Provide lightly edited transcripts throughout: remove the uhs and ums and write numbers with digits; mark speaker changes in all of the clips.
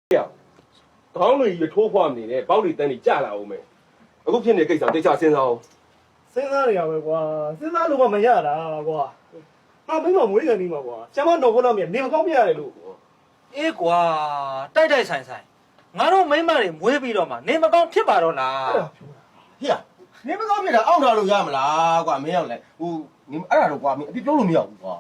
Speaker 1: 呀，刚了一抽花米呢，包里等你嫁了我们。我骗你给上这下先生。
Speaker 2: 先生你又ကွာစဉ်းစားလို့မရတာကွာငါမိမမွေးတယ်နေမှာကွာကျမတော့ဘုလောက်မြင်နေမကောင်းပြရတယ်လို့
Speaker 3: အေးကွာတိုက်တိုက်ဆိုင်ဆိုင်ငါတို့မိမတွေမွေးပြီးတော့မှနေမကောင်းဖြစ်ပါတော့လား
Speaker 4: ဟေ့နေမကောင်းဖြစ်တာအောက်ထားလို့ရမလားကွာမင်းရောက်လဲဟိုနေအဲ့ဒါတော့ကွာမင်းအပြစ်ပြောလို့မရဘူးကွာ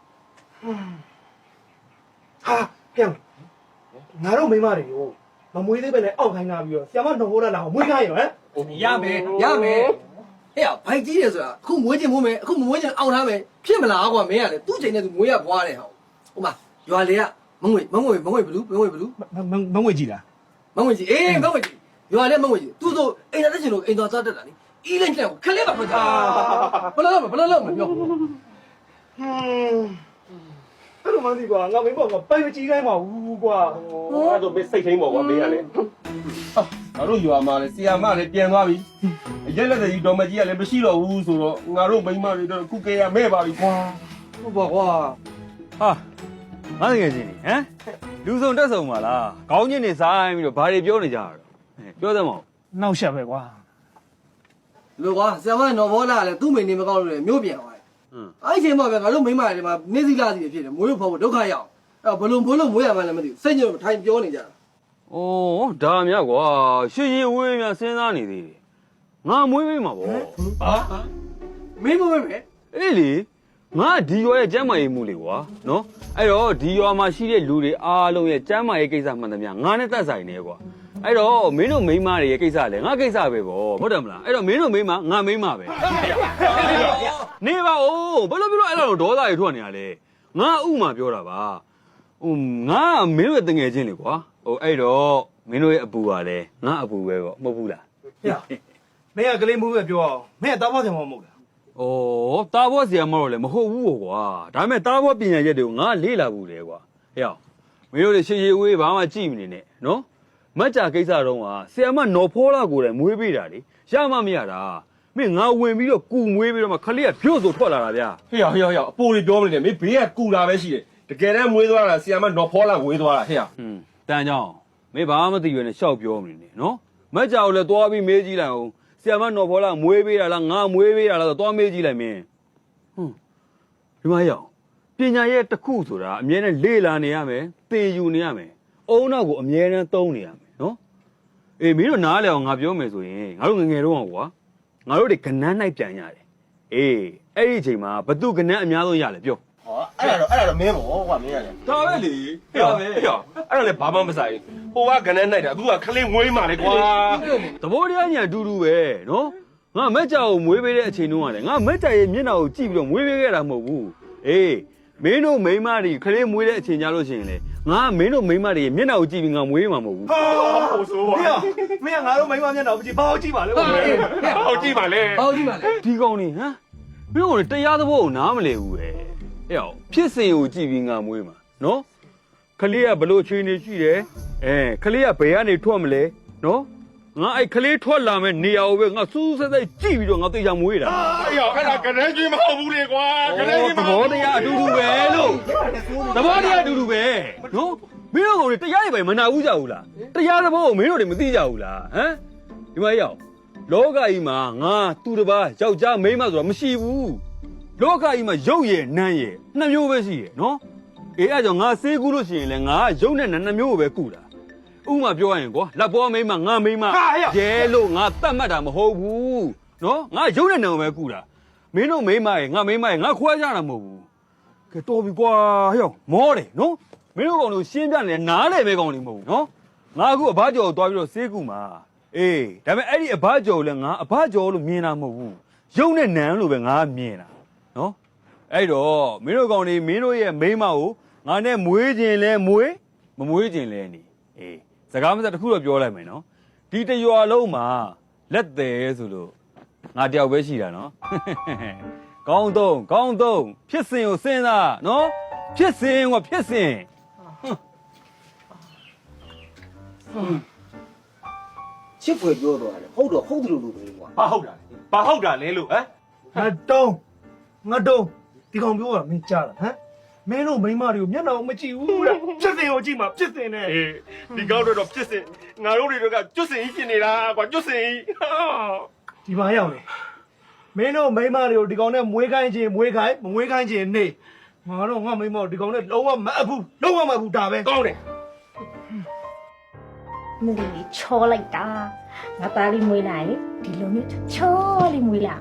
Speaker 2: ဟာပြန်ငါတို့မိမတွေကိုမမွေးသေးပဲနဲ့အောက်ခိုင်းလာပြီးတော့ဆရာမတော့ဘုလောက်လာမွေးခိုင်းရောဟမ်
Speaker 5: ရမယ်ဟဲ့ဘိုက်ကြီးတယ်ဆိုတာအခုမွေးချင်မိုးမယ်အခုမမွေးချင်အောင်ထားမယ်ဖြစ်မလားကွာမင်းကလေသူ့ချိန်နဲ့သူမွေးရဘွားတယ်ဟောဟိုမှာရွာလေကမငွေဘလူးမငွေကြီးလားမငွေကြီးအေးမငွေကြီးရွာလေမငွေကြီးသူဆိုအိမ်သားတက်ချင်လို့အိမ်သားစားတက်တာလေအီးလိုက်တဲ့ခလေးပါဖွင့်တာဘလို့မပြော
Speaker 2: အဲ့လိုမှမသိကွာငါမိမကပိုင်မကြည့်ခိုင်းပါဘူးကွာ
Speaker 1: 那都被谁听我没呀嘞？
Speaker 4: ငါတို့ရွာမှာလေဆီယာမလည်းပြန်သွားပြီရက်လက်တဲ့တော်မကြီးကလည်းမရှိတော့ဘူးဆိုတော့ငါတို့မိန်းမတွေတော့ခုကေရမဲ့ပါပြီကွာ
Speaker 5: ဟုတ်ပါကွာ
Speaker 6: ဟာငါတကယ်ချင်းဟမ်လူစုံတက်ဆုံပါလားခေါင်းချင်းနေဆိုင်ပြီးတော့ဘာတွေပြောနေကြတာတော့ပြောသမော
Speaker 2: နောက်ရှက်ပဲကွာ
Speaker 5: လို့ကွာဆရာမနော်ဘောလာလေသူ့မိနေမကောင်းလို့လေမျိုးပြန်သွားတယ်အဲ့ချိန်မှာပဲငါတို့မိမတွေမှာနေစည်းလာစီဖြစ်တယ်မွေးလို့ဖောက်ဖို့ဒုက္ခရောက်အဲ့ဘလုံးမွေးလို့မွေးရမှလည်းမသိဘူးစိတ်ညစ်ထိုင်ပြောနေကြတာ
Speaker 6: ဩဒါများကွာရှည်ရှည်ဝေးများစဉ်းစားနေသေးတယ်ငါမွေးပေးမှာဗော
Speaker 5: မင်းမွေးမယ်
Speaker 6: အေးလေငါဒီရွာရဲ့ကျမ်းမာရေးမှုလေကွာနော်အဲ့တော့ဒီရွာမှာရှိတဲ့လူတွေအားလုံးရဲ့ကျမ်းမာရေးကိစ္စမှန်သမျှငါနဲ့သက်ဆိုင်နေကွာအဲ့တော့မင်းတို့မိန်းမတွေရဲ့ကိစ္စလည်းငါကိစ္စပဲဗောဟုတ်တယ်မလားအဲ့တော့မင်းတို့မိန်းမငါမိန်းမပဲနေပါဦးဘယ်လိုပြောအဲ့လိုဒေါသတွေထွက်နေရလဲငါဥမာပြောတာပါဟိုငါမင်းတို့ရဲ့တငယ်ချင်းလေကွာဟိုအဲ့တော့မင်းတို့ရဲ့အပူကလည်းငါအပူပဲဗောမဟုတ်ဘူးလား
Speaker 2: ဟဲ့မင်းကကလေးမှုပဲပြောအောင်မင်းကတောင်းပါစင်မမဟုတ်လား
Speaker 6: ။အော်တာဘောဆရာမတော့လည်းမဟုတ်ဘူးပေါ့ကွာ။ဒါပေမဲ့တာဘောပညာရက်တွေကိုငါလေ့လာဘူးလေကွာ။ဟဲ့အောင်မင်းတို့တွေရှည်ရှည်ဝေးဘာမှကြည့်မနေနဲ့နော်။မတ်ကြကိစ္စတော့ကဆရာမနော်ဖောလာကိုယ်တိုင်မွေးပေးတာလေ။ရမှမရတာ။မင်းငါဝင်ပြီးတော့ကူမွေးပြီးတော့မှခလေးကဖြို့ဆိုထွက်လာတာဗျာ
Speaker 4: ဟေ့အပိုးတွေပြောမနေနဲ့မင်းဘေးကကူလာပဲရှိတယ်တကယ်တမ်းမွေးသွားတာဆီယာမနော်ဖောလာဝေးသွားတာဟေ့
Speaker 6: ။တန်ကြောင်မင်းဘာမှမသိရွယ်နဲ့ရှောက်ပြောမနေနဲ့နော်။မတ်ကြကိုလည်းသွားပြီးမေးကြည့်လိုက်အောင်။ဆရာမနော်ဖောလာမွေးပေးတာလားငါမွေးပေးတာလားဆိုသွားမေးကြည့်လိုက်မင်း။ဒီမှာရောက်ပညာရဲ့တစ်ခုဆိုတာအမြဲတမ်းလေ့လာနေရမယ်သင်ယူနေရမယ်အုံနောက်ကိုအမြဲတမ်းသုံးနေရမယ်နော်အေးမင်းတို့နားလည်အောင်ငါပြောမယ်ဆိုရင်ငါတို့ငငယ်တော့ကွာငါတို့တွေကနန်းနိုင်ပြန်ရတယ်အေးအဲ့ဒီအချိန်မှာဘသူကနန်းအများဆုံးရလဲပြော
Speaker 4: ဟောအဲ့ဒါတော့မင်းပေါ့ကွာမင်းရတယ်
Speaker 1: ဒါပဲလေဟဲ့အဲ့ဒါလည်းဘာမှမဆိုင်ဟိုကကနန်းနိုင်တာအခုကခလေးမွေးမှလေကွာ
Speaker 6: သဘောတရားညာအတူတူပဲနော်ငါမက်ကြောင်ကိုမွေးပေးတဲ့အချိန်တုန်းကလည်းငါမက်ကြောင်ရဲ့မျက်နှာကိုကြည့်ပြီးတော့မွေးပေးခဲ့တာမဟုတ်ဘူးအေးမင်းတို့မိန်းမတွေခလေးမွေးတဲ့အချိန်ကြလို့ရှိရင်လေငါမင်းတို့မိန်းမတွေရဲ့မျက်နှာကိုကြည့်ပြီးငါမွေးမှာမဟုတ်ဘူး
Speaker 1: ဟိုဆိုပါ
Speaker 2: ဟဲ့မင်းကငါတို့မိမမျက်နှာကိုကြည့်ဘာကိုကြည့်ပါလဲကွာ
Speaker 1: ဟောကြည့်ပါလေ
Speaker 5: ဟောကြည့်ပါလေ
Speaker 6: ဒီကောင်နေဟမ်မင်းတို့တရားသဘောကိုနားမလည်ဘူးပဲဟဲ့ဖြစ်စဉ်ကိုကြည့်ပြီးငါမွေးမှာနော်ခလေးကဘလို့ချွေးနေရှိတယ်ခလေးကဘယ်ကနေထွက်မလဲနော်ငါအဲ့ခလေးထွက်လာမဲ့နေရာကိုပဲငါစူးစက်စက်ကြည့်ပြီးတော့ငါသိချာမွေးတာ
Speaker 1: အဲ့ဒါကနန်းကြီးမဟုတ်ဘူးလေကွာကနန်းကြီး
Speaker 6: သဘောတရားအတူတူပဲလို့သဘောတရားအတူတူပဲနော်မင်းတို့ကတရားတွေပဲမနာဘူးကြဘူးလားတရားသဘောကိုမင်းတို့တွေမသိကြဘူးလားဟမ်ဒီမှာရောက်လောကကြီးမှာငါသူတစ်ပါးယောက်ျားမိန်းမဆိုတာမရှိဘူးလောကကြီးမှာရုပ်ရည်နန်းရည်နှစ်မျိုးပဲရှိရယ်နော်အေးအဲ့ကြောင့်ငါစေးကူးလို့ရှိရင်လည်းငါရုပ်နဲ့နှစ်မျိုးကိုပဲကူတာဥမာပြောရရင်ကွာလက်ပေါ်မိန်းမငါမိန်းမရဲလို့ငါတတ်မှတ်တာမဟုတ်ဘူးနော်ငါရုပ်နဲ့နှစ်ကိုပဲကူတာမင်းတို့မိန်းမရဲ့ငါမိန်းမရဲ့ငါခွဲကြတာမဟုတ်ဘူးကဲတော်ပြီကွာဟဲ့မောတယ်နော်မင်းတို့ကောင်တို့ရှင်းပြနေနားလေပဲကောင်တွေမဟုတ်ဘူးနော်ငါအခုအဘကျော်ကိုတွားပြီးတော့စေးကူမှာအေးဒါပေမဲ့အဲ့ဒီအဘကျော်ကိုလည်းငါအဘကျော်လို့မြင်တာမဟုတ်ဘူးရုပ်နဲ့နန်းလို့ပဲငါမြင်တာနော်အဲ့တော့မင်းတို့ကောင်တွေမင်းတို့ရဲ့မိန်းမကိုငါနဲ့မွေးခြင်းလဲမွေးမမွေးခြင်းလဲနေအေးစကားမစတစ်ခုတော့ပြောလိုက်မယ်နော်ဒီတရွာလုံးမှာလက်သေးဆိုလို့ငါတယောက်ပဲရှိတာနော်ကောင်းတော့ဖြစ်စဉ်ကိုစဉ်းစားနော်ဖြစ်စဉ်ကဖြစ်စဉ်
Speaker 5: ချစ်ဖွယ်ပြောတော့တယ်ဟုတ်တော့ဟုတ်တယ်လို့ပဲကွာ
Speaker 1: ဘာဟုတ်တာလဲလို့ဟမ်
Speaker 2: ငါတုံးဒီကောင်ပြောတာမင်းကြားလားဟမ်မင်းတို့မိန်းမတွေကိုမျက်နှာမကြည့်ဘူးတဲ့ဖြစ်စင်ကိုကြည့်မှာဖြစ်စင်နဲ့
Speaker 1: အေးဒီကောင်းတော့ပြစ်စင်ငါတို့တွေကကျွတ်စင်ကြီးဖြစ်နေတာကွာကျွတ်စင်ကြီး
Speaker 2: ဒီမှာရောက်နေမင်းတို့မိန်းမတွေကိုဒီကောင်နဲ့မွေးခိုင်းခြင်းမွေးခိုင်းမမွေးခိုင်းခြင်းနေငါတော့ငါမိန်းမကိုဒီကောင်နဲ့လုံးဝမအပ်ဘူးလုံးဝမအပ်ဘူးဒါပဲ
Speaker 1: ကောင်းတယ်
Speaker 7: မလီချောလိုက်တာငါသားလေးမွေးလာရင်ဒီလိုမျိုးချောလေးမွေးလာ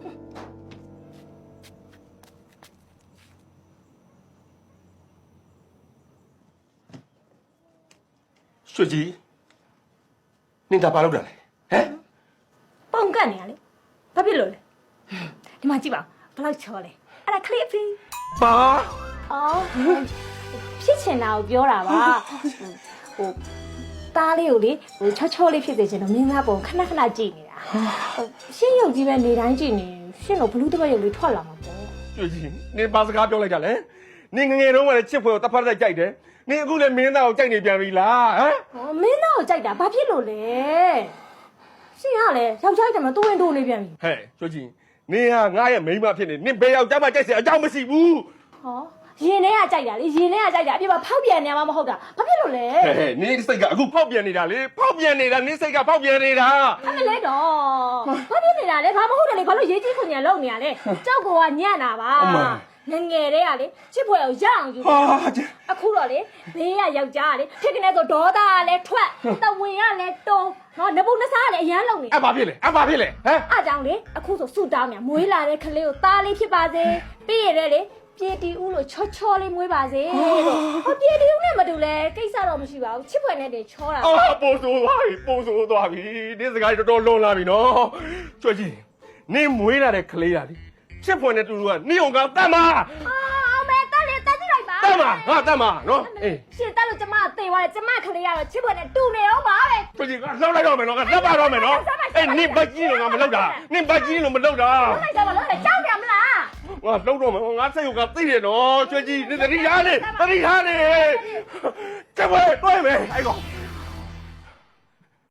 Speaker 1: ရွှေကြီးနင်ဒါဘာလုပ်တာလဲဟမ်
Speaker 7: ပုံကတ်နေရလေဘာဖြစ်လို့လဲဒီမှာကြည့်ပါဘယ်လောက်ချောလဲအဲ့ဒါခလစ်ဖီ
Speaker 1: ဘာ
Speaker 7: အော်ဖြစ်ချင်တာကိုပြောတာပါဟိုသားလေးကိုလေဟိုချောချောလေးဖြစ်စေချင်တော့မင်းသားပုံခဏခဏကြည့်နေတာရှင်းရုပ်ကြီးပဲနေတိုင်းကြည့်နေရှင်းတော့ဘလူးတစ်ပတ်ရုပ်လေးထွက်လာမှာပေါ့
Speaker 1: ရွှေကြီးနင်ဘာစကားပြောလိုက်တာလဲနင်ငငယ်တုန်းကလည်းချစ်ဖွယ်ကိုတဖက်တက်ကြိုက်တယ်နင်အခုလည်းမင်းသားကိုကြိုက်နေပြန်ပြီလားဟမ်
Speaker 7: ဟောမင်းသားကိုကြိုက်တာဘာဖြစ်လို့လဲရှင်းရလေယောက်ျားကြီးတမတိုးဝင်တိုးနေပြန်ပြီ
Speaker 1: ဟဲ့ရွှေကြီးနင်ဟာငါရဲ့မိန်းမဖြစ်နေနင်ဘယ်ယောက်ျားမှကြိုက်စရာအကြောင်းမရှိဘူး
Speaker 7: ဟောရင်ထဲကကြိုက်တာလေရင်ထဲကကြိုက်တာအပြစ်ပါဖောက်ပြန်နေမှာမဟုတ်တာဘာဖြစ်လို့လဲ
Speaker 1: ဟဲ့နင်စိတ်ကအခုဖောက်ပြန်နေတာလေဖောက်ပြန်နေတာနင်စိတ်ကဖောက်ပြန်နေတာ
Speaker 7: အမလဲတော့ဘာဖြစ်နေတာလဲဘာမဟုတ်တယ်လေဘာလို့ရေးကြီးခွန်ညာလုံနေရလဲကြောက်ကညံ့တာပါငငယ်တဲ့ကလေချစ်ဖွယ်ကိုရအောင်ယူ
Speaker 1: ဟာ
Speaker 7: အခုတော့လေဘေးကယောက်ျားကလေဖြစ်ကနေဆိုဒေါသကလည်းထွက်တဝင်ကလည်းတုံးဟောနဘုတ်နစားကလည်းအရန်လုံနေ
Speaker 1: အဲ့ဘာဖြစ်လဲအဲ့ဘာဖြစ်လဲဟမ်
Speaker 7: အားကြောင့်လေအခုဆိုဆူတောင်းမြန်မွေးလာတဲ့ကလေးကိုသားလေးဖြစ်ပါစေပြီးရတဲ့လေပြေတီဦးလို့ချောချောလေးမွေးပါစေလို့ဟောပြေတီဦးနဲ့မတူလဲကိစ္စတော့မရှိပါဘူးချစ်ဖွယ်နဲ့တင်ချောတာ
Speaker 1: အော်ပို့ဆိုသွားပြီပို့ဆိုသွားပြီဒီစကားတော်တော်လွန်လာပြီနော်ကြွကြီးနင်မွေးလာတဲ့ကလေးရလေချစ်ဖွယ်နဲ့တူတူကနင်အောင်ကတတ်မှာ
Speaker 7: အောင်မဲတက်လေတက်ကြည့်လိုက်ပါ
Speaker 1: တတ်မှာငါတတ်မှာနော်အေး
Speaker 7: ရှင်တက်လို့ကျမသေသွားတယ်ကျမကလေးရတော့ချစ်ဖွယ်နဲ့တူနေအောင်ပါပဲ
Speaker 1: ကြွကြီးကလှောက်လိုက်တော့မယ်နော်ကလှပ်ပါတော့မယ်နော်အေးနင်ဘကြီးလို့ငါမလုပ်တာနင်ဘကြီးလို့မလုပ်တာ
Speaker 7: လိုက်တော့မလို့ကြောက်တယ်မလား
Speaker 1: ငါလှုပ်တော့မယ်ငါစိတ်ကသိတယ်နော်ကြွကြီးနင်တတိထားနေတတိထားနေကျမတွေ့မယ်အဲ့ကောင်